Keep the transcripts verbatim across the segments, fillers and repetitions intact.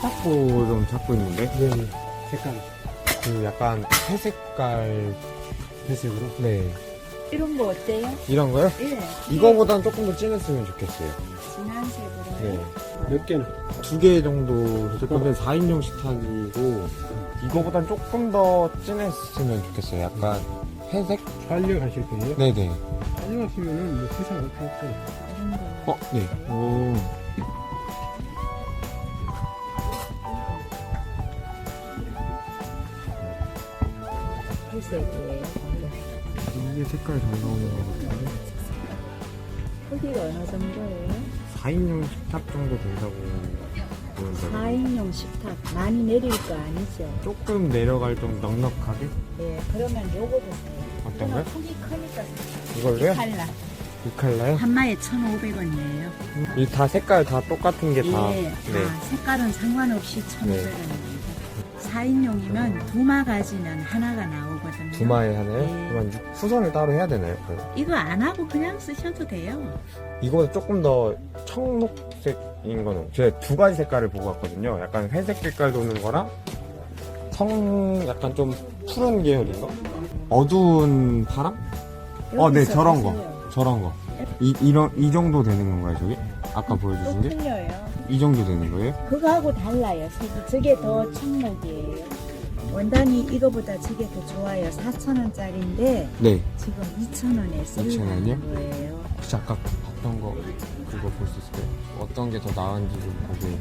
세탁보 좀 찾고 있는데. 네. 색깔 그 약간 회색깔. 회색으로. 네. 이런 거 어때요? 이런 거요? 예. 이거보단 조금 더 진했으면 좋겠어요. 진한 색으로. 네. 몇 개는? 두 개 정도 근데 사 인용 식탁이고 이거보단 조금 더 진했으면 좋겠어요. 약간 회색? 촬영하실 거예요? 네네. 촬영하시면은 뭐 세상 어떻게 없어요. 이런 거. 어, 네. 오. 회색이에요. 이게 색깔 잘 나오는 것 같은데. 크기가 어느 정도예요? 사 인용 식탁 정도 된다고 보는데. 사 인용 식탁 많이 내릴 거 아니죠? 조금 내려갈 좀 넉넉하게? 예, 그러면 요거도 사요. 어떤 거요? 크기 크니까 이걸로요? 칼라. 이 컬러요? 한 마에 천오백 원이에요. 이 다 색깔 다 똑같은 게 다. 예, 네. 다 색깔은 상관없이 천오백 원입니다. 사 인용이면 두마 가지면 하나가 나오거든요. 두마에 하나요? 네. 그러면 육- 수선을 따로 해야 되나요? 그럼? 이거 안 하고 그냥 쓰셔도 돼요. 이거보다 조금 더 청록색인 거는 제가 두 가지 색깔을 보고 왔거든요. 약간 회색 색깔 도는 거랑 청 약간 좀 푸른 계열인 거? 어두운 파랑? 어, 네, 여기서 저런 보세요. 거. 저런 거. 이, 이런, 이 정도 되는 건가요, 저기? 아까 또 보여주신 게? 틀려요. 이 정도 되는 거예요? 그거하고 달라요. 색이. 저게 더 청록이에요. 원단이 이거보다 저게 더 좋아요. 사천 원짜리인데 네. 지금 이천 원에 이천 원이요? 쓰는 거예요. 혹시 아까 봤던 거, 그거 볼 수 있을까요? 어떤 게 더 나은지 좀 보게.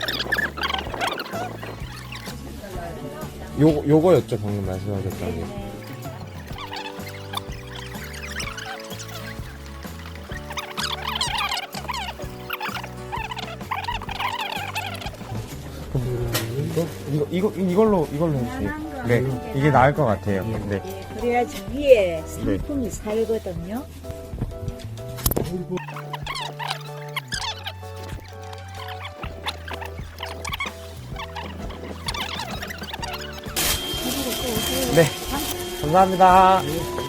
요, 요거였죠, 방금 말씀하셨던 게. 이거, 이거, 이거, 이걸로, 이걸로 해주세요. 네, 이게 나을 것 같아요. 네. 예, 그래야지 위에 상품이 살거든요. 네. 감사합니다.